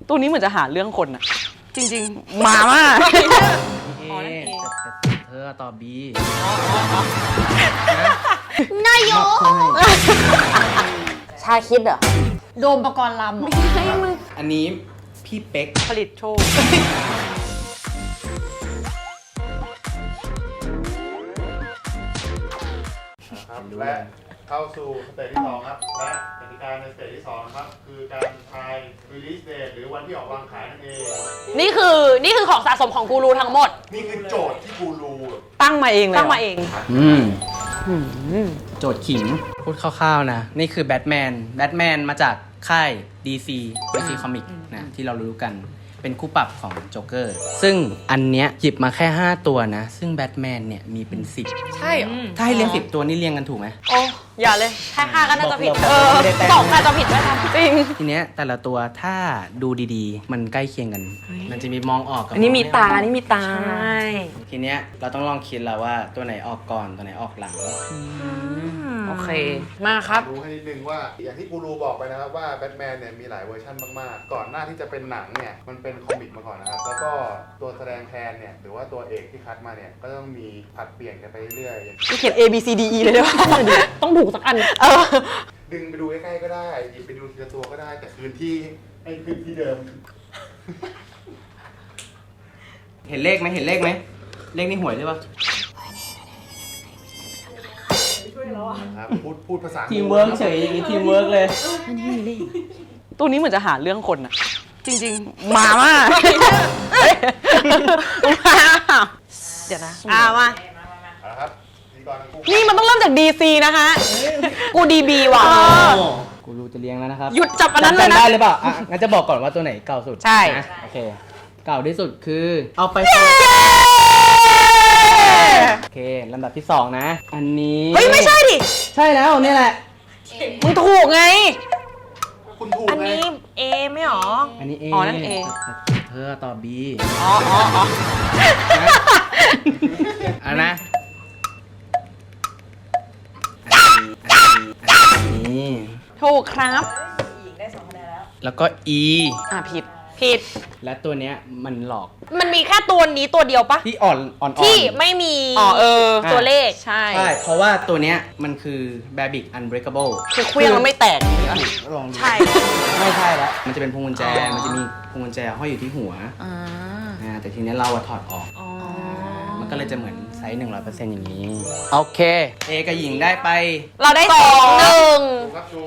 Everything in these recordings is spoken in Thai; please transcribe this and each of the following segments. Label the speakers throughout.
Speaker 1: ตัวนี้เหมือนจะหาเรื่องคนอะจริงๆมาม่า
Speaker 2: เธอตอบบี
Speaker 3: นายกชาคิดเหรอโดมปกรณ์ลำไม่ใช่มึง
Speaker 2: อันนี้พี่เป๊ก
Speaker 1: ผลิตโชค
Speaker 4: ครับและเข้าสู่สเตจที่2ครับและกติกาในสเตจที่2นะครับคือการทาย release date หรือวันที่ออกวางขายนั่นเอง
Speaker 3: นี่คือของสะสมของกูรูทั้งหมด
Speaker 4: นี่คือโจทย์ที่กูรู
Speaker 1: ตั้งมาเองเลย
Speaker 3: ตั้งมาเอง
Speaker 2: โจทย์ขิงพูดคร่าวๆนะนี่คือแบทแมนมาจากค่าย DC Comic นะที่เรารู้กันเป็นคู่ปรับของโจ๊กเกอร์ซึ่งอันเนี้ยหยิบมาแค่5ตัวนะซึ่งแบทแมนเนี่ยมีเป็น10
Speaker 1: ใช่เหรอ
Speaker 2: ถ้าให้เรียง10ตัวนี่เรียงกันถูกไหม
Speaker 1: โอ้อย่าเลย
Speaker 3: แค่5ก็น่าจะผิด
Speaker 1: 2อาจจะผิดด้วยจริง
Speaker 2: ทีเนี้ยแต่ละตัวถ้าดูดีๆมันใกล้เคียงกันมันจะมีมองออกกับ
Speaker 1: อันนี้มีตานี่มีตา
Speaker 2: ทีเนี้ยเราต้องลองคิดแล้วว่าตัวไหนออกก่อนตัวไหนออกหลัง
Speaker 1: โอเคมาครับ
Speaker 4: รู้ให้นิดนึงว่าอย่างที่กูรูบอกไปนะครับว่าแบทแมนเนี่ยมีหลายเวอร์ชันมากๆก่อนหน้าที่จะเป็นหนังเนี่ยมันเป็นคอมิกมาก่อนนะครับแล้วก็ตัวแสดงแทนเนี่ยหรือว่าตัวเอกที่คัดมาเนี่ยก็ต้องมีผัดเปลี่ยนกันไปเรื่อย
Speaker 1: ๆเขียน A B C D E เลยได้ป่ะต้องถูกสักอัน
Speaker 4: ดึงไปดูใกล้ๆก็ได้หยิบไปดูทีละตัวก็ได้แต่คืนที่เดิม
Speaker 2: เห็นเลขไหมเลขนี่หวยหรือเปล่า
Speaker 4: พูดภาษา
Speaker 2: ทีมเวิร์กเฉยอย่างนี้ทีมเวิร์กเลย
Speaker 1: อันนี้มีเลขตัวนี้เหมือนจะหาเรื่องคนอะจริงๆมาม่าเดี๋ยวนะ
Speaker 3: มา
Speaker 4: ครับ
Speaker 1: นี่มันต้องเริ่มจาก DC นะคะกู DB ว่ะ
Speaker 2: กูรู้จะเลี้ยงแล้วนะครับ
Speaker 1: หยุดจับอันนั้นเลยนะ
Speaker 2: ได้หรือเปล่างั้นจะบอกก่อนว่าตัวไหนเก่าสุด
Speaker 1: ใช่
Speaker 2: โอเคเก่าที่สุดคือเอาไปโอเคลำดับที่2นะอันนี้
Speaker 1: เฮ้ยไม่ใช่ดิ
Speaker 2: ใช่แล้วนี่แหละ
Speaker 1: มึงถูกไง
Speaker 4: คุณถูก
Speaker 3: อันนี้ A ไม่หรอ
Speaker 2: อันนี้ A
Speaker 1: อ๋อนั่น A
Speaker 2: เธอตอบ B
Speaker 1: อ๋อ
Speaker 2: อันนะนี่
Speaker 1: ถูกครับ
Speaker 3: ได้2คะแนน
Speaker 2: แล้วก็ E
Speaker 1: ผิด
Speaker 2: และตัวเนี้ยมันหลอก
Speaker 3: มันมีแค่ตัวนี้ตัวเดียวปะ
Speaker 2: ที่อ่อน
Speaker 3: ที่ไม่มีตัวเลข
Speaker 1: ใช่
Speaker 2: เพราะว่าตัวเนี้ยมันคือ Babic Unbreakable
Speaker 1: คือเครื่องมันไม่แตก
Speaker 2: ลอง
Speaker 1: ใช่
Speaker 2: ไม่ใช่แล้วมันจะเป็นพวงกุญแจมันจะมีพวงกุญแจห้อยอยู่ที่หัวแต่ทีนี้เราถอดออกมันก็เลยจะเหมือนไซส์ 100% อย่างนี้โอเคเอกับหญิงได้ไป
Speaker 3: เราได้2-1
Speaker 4: ครับชู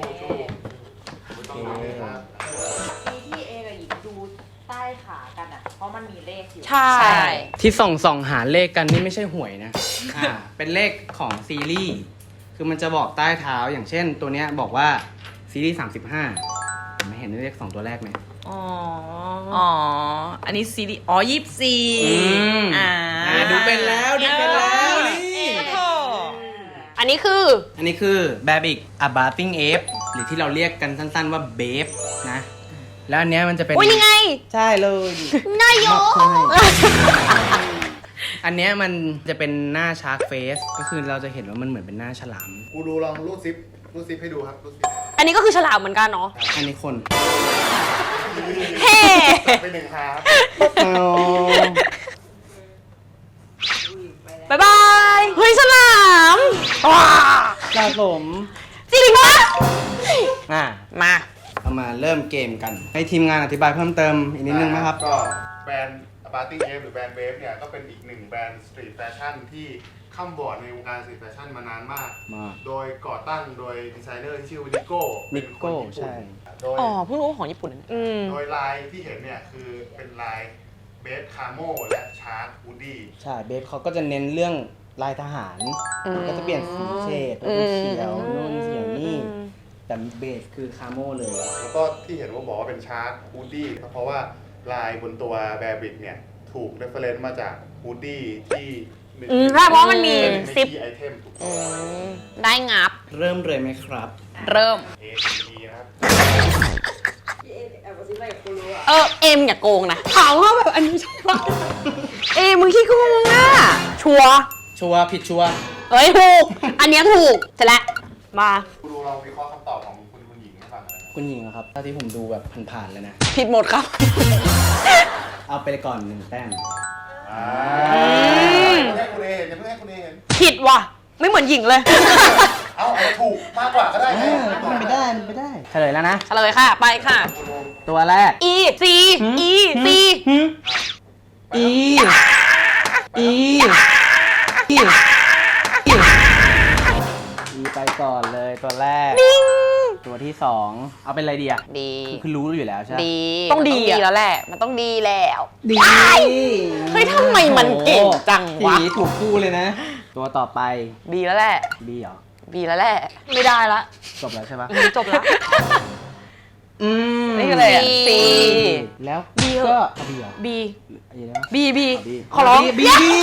Speaker 3: ที่เอกับหญิงดูใต้ขากันอ่ะเพราะมันมีเลขอยู่
Speaker 1: ใช่
Speaker 2: ที่ส่องหาเลขกันนี่ไม่ใช่หวยนะเป็นเลขของซีรีส์คือมันจะบอกใต้เท้าอย่างเช่นตัวเนี้ยบอกว่าซีรีส์35ไม่เห็นเลข2ตัวแรกไหม
Speaker 1: อันนี้ซีรีส์24
Speaker 2: ดูเป็นแล้วนี่
Speaker 3: อันนี้คือ
Speaker 2: Babic A Bathing Ape หรือที่เราเรียกกันสั้นๆว่าเบฟนะแล้วอันเนี้ยมันจะเป็น
Speaker 3: นี่ไง
Speaker 2: ใช่เลย
Speaker 3: นายก
Speaker 2: อันเนี้ยมันจะเป็นหน้าชาร์กเฟสก็คือเราจะเห็นว่ามันเหมือนเป็นหน้าฉลาม
Speaker 4: กูดูลองรูดซิปให้ดูครับรูดซิป
Speaker 3: อันนี้ก็คือฉลามเหมือนกันเนาะ
Speaker 2: อันนี้คน
Speaker 3: เฮ้
Speaker 4: ไป1ครับ
Speaker 3: บ๊ายบาย
Speaker 1: เฮ้ยฉลาม
Speaker 2: สะสม
Speaker 3: จริงปะ
Speaker 1: มา
Speaker 2: เอามาเริ่มเกมกันให้ทีมงานอธิบายเพิ่มเติมอีกนิดนึงนะครับ
Speaker 4: ก็แบรนด์ Bathing Ape หรือแบรนด์เวฟเนี่ยก็เป็นอีกหนึ่งแบรนด์สตรีทแฟชั่นที่ข้ามบอร์ดในวงการสตรีทแฟชั่นมานานมากโดยก่อตั้งโดยดีไซเนอร์ที่ชื่อนิโก้
Speaker 2: ใช่
Speaker 1: เพิ่งรู้ว่าของญี่ปุ่น
Speaker 4: โดยลายที่เห็นเนี่ยคือเป็นลายเบฟคาโมและชาร์กวูดดี้
Speaker 2: ใช่เบฟเขาก็จะเน้นเรื่องลายทหารก็จะเปลี่ยนสีเฉดเป็นเขียวนู่นเขียวนี่แต่เบสคือคาโมเลย
Speaker 4: แล้วก็ที่เห็นว่าบอกว่าเป็นชาร์กวูดดี้เพราะว่าลายบนตัวแบร์บิกเนี่ยถูกเรฟเฟรนซ์มาจากวูดดี้ที่
Speaker 3: ใช่เพราะมันมี
Speaker 4: ซิปไอเทม
Speaker 3: ได้งับ
Speaker 2: เริ่มเลยไหมครับ
Speaker 3: เริ่ม
Speaker 4: ครับ
Speaker 1: เอ็มอย่าโกงนะถามว่าแบบอันนี้ชัวร์มึงขี้โกงอ่ะชัวร์
Speaker 2: ผิดชัวร์
Speaker 3: เฮ้ยถูกอันนี้ถูกเสร็จแล้วมา
Speaker 4: ดูเราวิเคราะห์คำตอบของคุณหญิงให้ฟังเลย
Speaker 2: คุณหญิงเหรอครับถ้าที่ผมดูแบบผ่านๆเลยนะ
Speaker 1: ผิดหมดครับ
Speaker 2: เอาไปก่อน1 แต้ม
Speaker 4: อย่าเพิ่งให้คุณเอเห็นอย่าเพิ่งให้คุณเอเห็น
Speaker 1: ผิดว่ะ ไม่เหมือนหญิงเลย
Speaker 4: เอาอาจจะถูกมากกว่าก็ได้ไง
Speaker 2: มันไม่ได้มันไม่ได้เฉลยแล้วนะ
Speaker 1: เฉลยค่ะ ไปค่ะ
Speaker 2: ตัวแรก
Speaker 1: E C E C
Speaker 2: E E Eไปก่อนเลยตัวแรก ตัวที่ 2 เอาเป็นอะไรดีอ่ะ
Speaker 1: ดี
Speaker 2: คือรู้อยู่แล้วใช่ไหม
Speaker 1: ดี
Speaker 3: ต้องดีอะ
Speaker 1: แล้วแหละ มันต้องดีแล้ว
Speaker 2: ดี
Speaker 1: เฮ้ยทำไมมันเก่งจังวะ
Speaker 2: ทีถูกคู่เลยนะ ตัวต่อไป
Speaker 1: ดีแล้วแหละ
Speaker 2: B เหรอ
Speaker 1: ดีแล้วแหละ
Speaker 3: ไม่ได้ละ
Speaker 2: จบแล้วใช่ปะ
Speaker 3: จบละ
Speaker 1: นี่คืออะไรอะ C
Speaker 2: แล้ว
Speaker 3: B เหรอ
Speaker 2: ก็เอา B เหรอ
Speaker 3: B
Speaker 2: อะไรนะ
Speaker 3: B B
Speaker 2: เอา B
Speaker 3: ขอร้อง
Speaker 2: B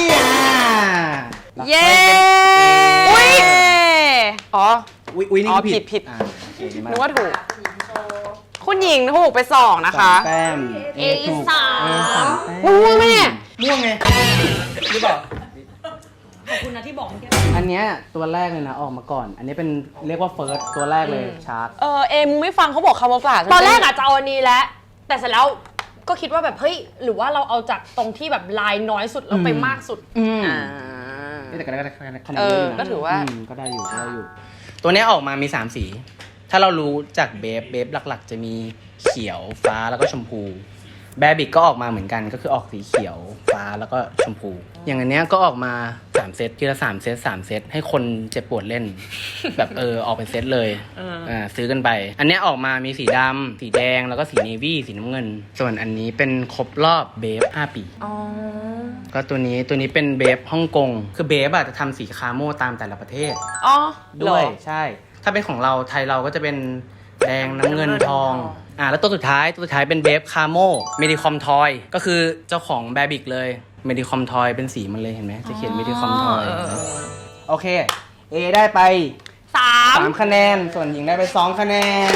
Speaker 1: เย้ อุ้ยอ๋อ
Speaker 2: อุ้ยนี่
Speaker 1: อ๋อ
Speaker 2: คือ
Speaker 1: ผิด
Speaker 2: อ่าโอเคดีมาก
Speaker 1: นึกว่าถูก คุณหญิงถูกไป2นะคะ
Speaker 2: 2 แต้ม
Speaker 1: A
Speaker 2: ถูก
Speaker 1: สาม
Speaker 2: A 3 แต้ม
Speaker 1: ม่วงไหมเนี่ย
Speaker 2: ม่วงไงหรือเปล่า
Speaker 3: ขอบคุณนะที่บอกเมื่อกี้
Speaker 2: อันเนี้ยตัวแรกเลยนะออกมาก่อน อันนี้เป็นเรียกว่าเฟิร์สตัวแรกเลยชาร์ก
Speaker 1: เอ็มไม่ฟังเขาบอกคำว่าปลาด
Speaker 3: ตอนแรกอะจะเอาอันนี้แล้วแต่เสร็จแล้วก็คิดว่าแบบเฮ้ยหรือว่าเราเอาจากตรงที่แบบลายน้อยสุดแล้วไปมากสุด
Speaker 1: อ่า
Speaker 2: แต่ก็ได้คะแนน
Speaker 1: เอ
Speaker 2: เย
Speaker 1: อ
Speaker 2: อะอยู่นะ
Speaker 1: ก็ถือว่า
Speaker 2: ก็ได้อยู่ก็ได้อยู่ ตัวเนี้ยออกมามี 3 สี ถ้าเรารู้จากเบฟหลักๆ จะมีเขียวฟ้าแล้วก็ชมพูแบบิกก็ออกมาเหมือนกันก็คือออกสีเขียวฟ้าแล้วก็ชมพู อย่างอันเนี้ยก็ออกมา3 เซตทีละ3 เซต3 เซตให้คนเจ็บปวดเล่น แบบออกเป็นเซตเลยซื้อกันไป อันเนี้ยออกมามีสีดำสีแดงแล้วก็สีเนวี่สีน้ำเงิน ส่วนอันนี้เป็นครบรอบเบฟ5 ปี
Speaker 3: อ๋อ
Speaker 2: ก็ตัวนี้เป็นเบฟฮ่องกงคือเบฟอะจะทำสีคาโม่ตามแต่ละประเทศ
Speaker 1: อ๋อ
Speaker 2: ด้วยใช่ ถ้าเป็นของเราไทยเราก็จะเป็นแดงน้ำเงินทองแล้วตัวสุดท้ายเป็นเบฟคาโมเมดิคอมทอยก็คือเจ้าของแบบิกเลยเมดิคอมทอยเป็นสีมันเลยเห็นไหมจะเขียนเมดิคอมทอยโอเค A ได้ไป 3 คะแนน ส่วนหญิงได้ไป 2 คะแนน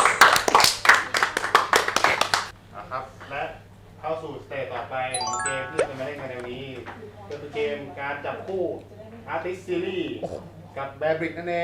Speaker 4: นะครับ และเข้าสู่สเตจต่อไปของเกมที่จะมาเล่นกันในวันนี้ก็คือเกมการจับคู่ Artist Series กับแบบริกนั่นเอง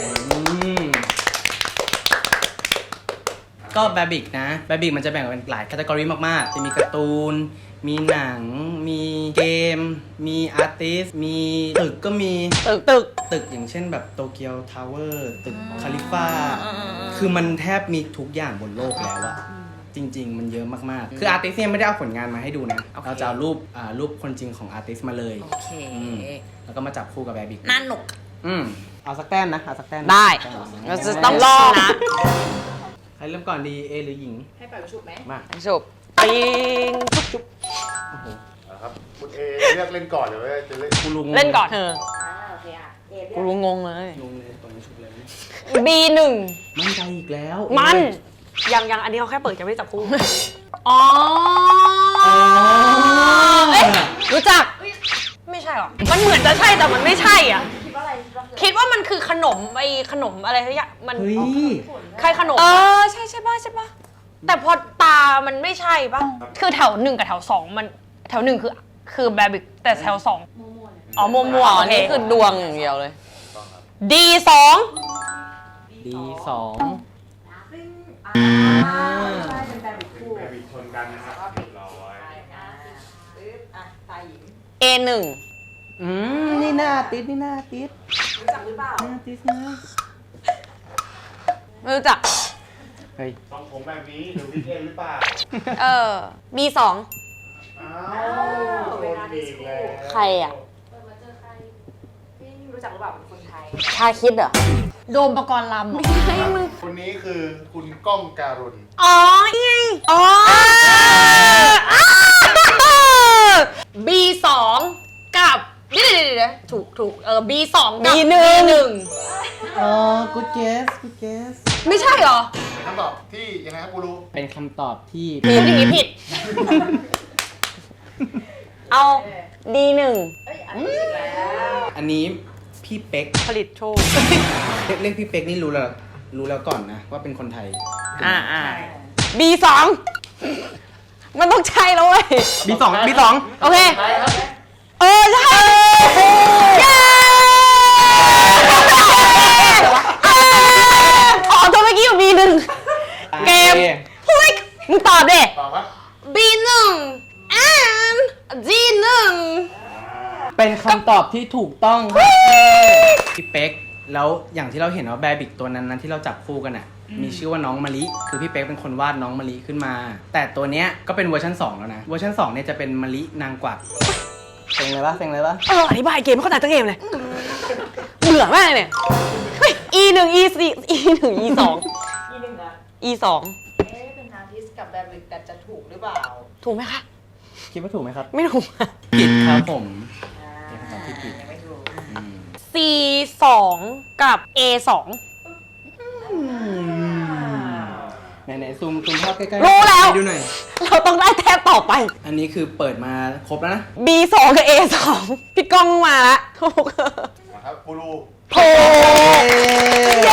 Speaker 2: ก็แบบิกนะแบบิกมันจะแบ่งเป็นหลายแคตตากรีมากๆ จะมีการ์ตูน มีหนัง มีเกม มีอาร์ติสมีตึกก็มี ตึกอย่างเช่นแบบโตเกียวทาวเวอร์ตึกคาลิฟ่าคือมันแทบมีทุกอย่างบนโลกแล้วอะจริง ๆ มันเยอะมากๆ คืออาร์ติสเนี่ยไม่ได้เอาผลงานมาให้ดูนะ เราจะเอารูปคนจริงของอาร์ติสมาเลย
Speaker 1: โอเค
Speaker 2: แล้วก็มาจับคู่กับแบบิก
Speaker 1: น่าหนุก
Speaker 2: เอาสักแต้มนะ เอาสักแต้ม
Speaker 1: ได้ เราจะต้องลองนะ
Speaker 2: ใครเริ่มก่อนดี เอหรือหญิง
Speaker 3: ให้ไปประชุมไหม
Speaker 2: มา
Speaker 1: ฉุบปิงชุบ
Speaker 2: โอ้โห
Speaker 4: นะครับคุณเอเลือกเล่นก่อนเดี๋ยวจะเล่น
Speaker 2: กูรู้งง
Speaker 1: เล่นก่อนเธอ
Speaker 3: โอเคอ่ะเอ
Speaker 1: กูรู้งงเลย
Speaker 2: งงเลยตอนนี้ชุบเลย
Speaker 1: B1
Speaker 2: มั่นใจอีกแล้ว
Speaker 1: มัน
Speaker 3: ยังอันนี้เขาแค่เปิดจะไม่จับคู่
Speaker 1: อ๋อ เอ๊ะรู้จัก
Speaker 3: ไม่ใช่หรอ
Speaker 1: มันเหมือนจะใช่แต่มันไม่ใช่อ่ะ
Speaker 3: คิดว่าอะไร
Speaker 1: คิดว่ามันคือขนมขนมอะไรสักอย่างมัน
Speaker 2: เฮ้ย
Speaker 3: ใครขนม
Speaker 1: ใช่ป่ะ
Speaker 3: แต่พอตามันไม่ใช่ป่ะ คือแถว1กับแถว2มันแถว1คือแบบิกแต่แถว2อ๋อมัว
Speaker 1: อ๋อ
Speaker 3: ๆโอ
Speaker 1: อัน
Speaker 3: เค
Speaker 1: นี้คือดวงอย่างเดียวเลย
Speaker 3: D2
Speaker 2: D2
Speaker 3: ใช่เป็นแบบิกคู่
Speaker 4: แบบริกชนกันนะครับเรียบร้อย
Speaker 3: ตายหญิง
Speaker 1: A1
Speaker 2: นี่หน้าติดนี่หน้าติด
Speaker 3: รู้จักหรือเปล่า
Speaker 2: หน้าติดนะ
Speaker 1: ไม่รู้จัก
Speaker 2: เฮ้ย
Speaker 4: ต้องผมแบบนี้หรือวิกเอนหรือเปล่า
Speaker 1: B2
Speaker 4: อ้าวโดนอีกแล้ว
Speaker 1: ใครอ่ะ
Speaker 3: รู้จักหรือเปล่าเป็นคนไทย
Speaker 1: ชาคิดเหรอ
Speaker 3: โดมประกรณ์ลำ
Speaker 4: คนนี้คือคุณก้องการุณ
Speaker 1: อ๋อนี่ไงอ๋อ
Speaker 3: B2 กับเดี๋ยวถูกB2 กับ
Speaker 1: B1
Speaker 2: อ๋อ good guess good guess
Speaker 3: ไม่ใช่เหรอ
Speaker 4: เป็นคำตอบที่ยังไงครับกูรู้
Speaker 2: เป็นคำตอบที่
Speaker 3: พูดอย่างนี้ผิด
Speaker 1: เอา D1
Speaker 2: อันนี้พี่เป๊ก
Speaker 1: ผลิตโชค
Speaker 2: เรียกพี่เป๊กนี่รู้แล้วก่อนนะว่าเป็นคนไทย
Speaker 1: B2 มันต้องใช่แล้วเว้ย
Speaker 2: B2
Speaker 1: โอเค
Speaker 4: ใช่ครับ
Speaker 1: ใช่เย้อ๋อตัวเมื่อกี้อยู่ B1 ตอบดิ
Speaker 4: ตอบว่า
Speaker 1: B1 and G1
Speaker 2: เป็นคำตอบที่ถูกต้องครับพี่เป๊กแล้วอย่างที่เราเห็นว่าแบบิกตัวนั้นที่เราจับคู่กันอ่ะมีชื่อว่าน้องมะลิคือพี่เป๊กเป็นคนวาดน้องมะลิขึ้นมา แต่ตัวเนี้ยก็เป็นเวอร์ชัน2แล้วนะเวอร์ชัน2เนี่ยจะเป็นมะลินางกวักเซ็งเลยปะ
Speaker 1: อธิบายเกมไม่เข้าใจทั้งเกมเลยเบื่อมากเลยเนี่ยเฮ้ย E1 E4 E1 E2
Speaker 5: อีหนึ่งอ่ะ
Speaker 1: E2
Speaker 5: เป็นอาร์ติสกับแบบิกแต่จะถูกหรือเปล่า
Speaker 1: ถูกไหมคะ
Speaker 2: คิดว่าถูกไหมครับ
Speaker 1: ไม่ถูก
Speaker 2: ผิดครับผม
Speaker 5: อ่า
Speaker 2: เป็นคำตอบที่ผิด
Speaker 5: ยังไม่ถูก
Speaker 1: C2 กับ A2
Speaker 2: ไหนซูมภาพใกล้ๆ
Speaker 1: รู้แล้ว
Speaker 2: ให้ดูหน่อย
Speaker 1: เราต้องได้แต้มต่อไป
Speaker 2: อันนี้คือเปิดมาครบแล้วนะ
Speaker 1: B2 กับ A2 พี่ก้องมาละถูก
Speaker 4: นะครับกูรู
Speaker 1: ถูกเย้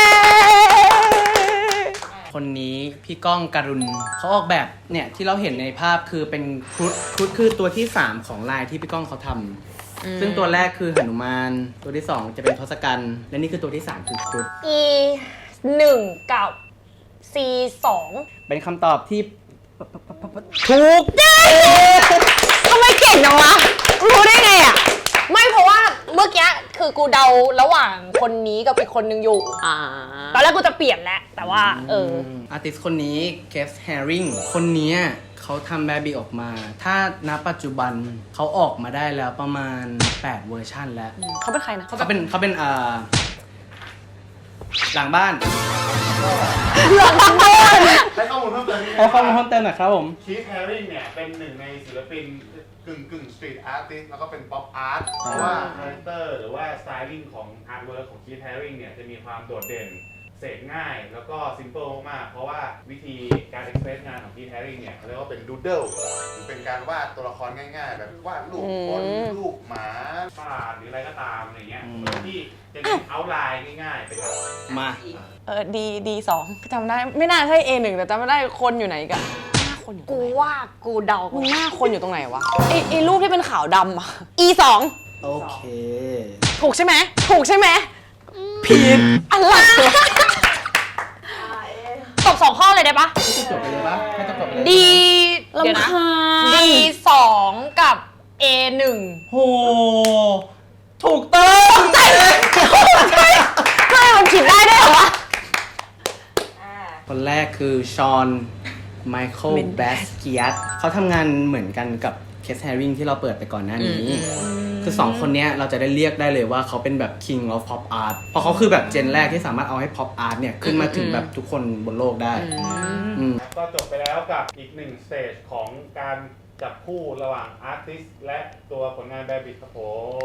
Speaker 2: คนนี้พี่ก้องการุณเขาออกแบบเนี่ยที่เราเห็นในภาพคือเป็นครุฑคือตัวที่ 3 ของลายที่พี่ก้องเขาทำซึ่งตัวแรกคือหนุมานตัวที่ 2 จะเป็นทศกัณฐ์และนี่คือตัวที่ 3 คือครุฑ
Speaker 3: E1 กับ C2
Speaker 2: เป็นคำตอบที่
Speaker 1: ถูกเย้ทำไมเก่งจังวะรู้ได้ไงอ่ะ
Speaker 3: ไม่เพราะว่าเมื่อกี้คือกูเดาระหว่างคนนี้กับอีกคนนึงอยู่ ตอนแรกกูจะเปลี่ยนแหละ แต่ว่า
Speaker 2: อาร์ติสคนนี้เคสแฮริงคนนี้เขาทำแบบิกออกมา ถ้าณปัจจุบันเขาออกมาได้แล้วประมาณ 8 เวอร์ชันแล้ว
Speaker 1: เขาเป็นใครนะ
Speaker 2: เขาเป็นหลังบ้าน
Speaker 4: ให้ข้อมูลเพิ่มเติมนิดนึง
Speaker 2: ให้ข้อมูลเพิ่มเติมหน่อยครับผม
Speaker 4: คีธแฮริงเนี่ยเป็นหนึ่งในศิลปินกึ่งสตรีทอาร์ติสแล้วก็เป็นป๊อปอาร์ตเพราะว่าคาแรคเตอร์หรือว่าสไตลิ่งของอาร์ตเวิร์กของคีธแฮริงเนี่ยจะมีความโดดเด่นเสกง่ายแล้วก็ซิมเปิลมากๆเพราะว่าวิธีการเอ็กเพรสงานของคีธแฮริงเนี่ยเขาเรียกว่าเป็นดูดเดิลหรือเป็นการวาดตัวละครง่ายๆ แบบวาดรูปคนรูปหมาปลาหรืออะไรก็ตามอะไรเงี้ยที่จะเน้นเอาท์ไลน์ง่ายๆเป็นหลัก
Speaker 2: มา
Speaker 1: D2 จำได้ไม่น่าใช่ A1 แต่จำไม่ได้คนอยู่ไหนกันหน้าคนอยู่ตรง
Speaker 3: กู
Speaker 1: ไหน
Speaker 3: ว่ากูเดา
Speaker 1: มึงหน้าคนอยู่ตรงไหนวะไอรูปที่เป็นขาวดำอะ E2
Speaker 2: โอเค
Speaker 1: ถูกใช่ไหมถูกใช่ไหมผิดอะไร
Speaker 3: ตอบ2 ข้อเลยได้ปะ
Speaker 2: จบไปเลยปะให้จบไปเลย
Speaker 3: D เดี๋ยวนะ D2 กับ A1
Speaker 2: โหถูกต้อง
Speaker 1: ใช่มันผิดได้ด้วยเหรอวะ
Speaker 2: คนแรกคือชอนไมเคิลแบสเกียตเขาทำงานเหมือนกันกับเคสแฮริงที่เราเปิดไปก่อนหน้านี้ คือ2คนเนี้ยเราจะได้เรียกได้เลยว่าเขาเป็นแบบ King of Pop Art เพราะเขาคือแบบเจนแรกที่สามารถเอาให้ Pop Art เนี่ยขึ้นมาถึงแบบทุกคนบนโลกได้
Speaker 4: ก็จบไปแล้วกับอีกหนึ่งสเตจของการจับคู่ระหว่างอาร์ติสและตัวผลงานแบบิกครับผม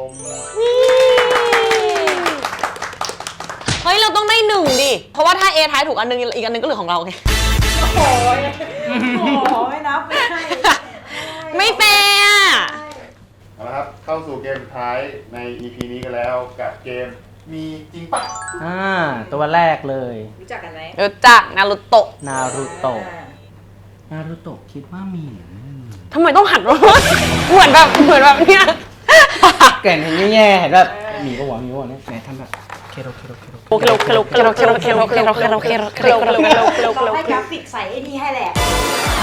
Speaker 1: เฮ้ยเราต้องได้1ดิเพราะว่าถ้า A ท้ายถูกอันนึงอีกอันนึงก็เหลือของเราไง
Speaker 5: โอ้ยไม่นับไม่ให้
Speaker 1: ไม่แฟร์อะ
Speaker 4: เอาละครับเข้าสู่เกมสุดท้ายใน EP นี้กันแล้วกับเกมมีจริงปะ
Speaker 2: ตัวแรกเลย
Speaker 5: รู้จักกันไหม
Speaker 1: รู้จักนารูโตะ
Speaker 2: นารูโตะ
Speaker 5: อ่า
Speaker 2: นารูโตะคิดว่ามีหรือไม่มี
Speaker 1: ทำไมต้องหันมาเหมือนแบบเนี้ย
Speaker 2: แก่นเห็นแย่ๆเห็นแบบมีก็หวังเนี่ยไหนทำแบบเคโร
Speaker 1: โอเคโอเคโอเคโอเคโอเคโอเคโอเคโอเคโอเคโอเคโอเคโอเคโอเคโอเค
Speaker 5: เราให้กราฟิกใส่ไอ้นี่ให้แหละ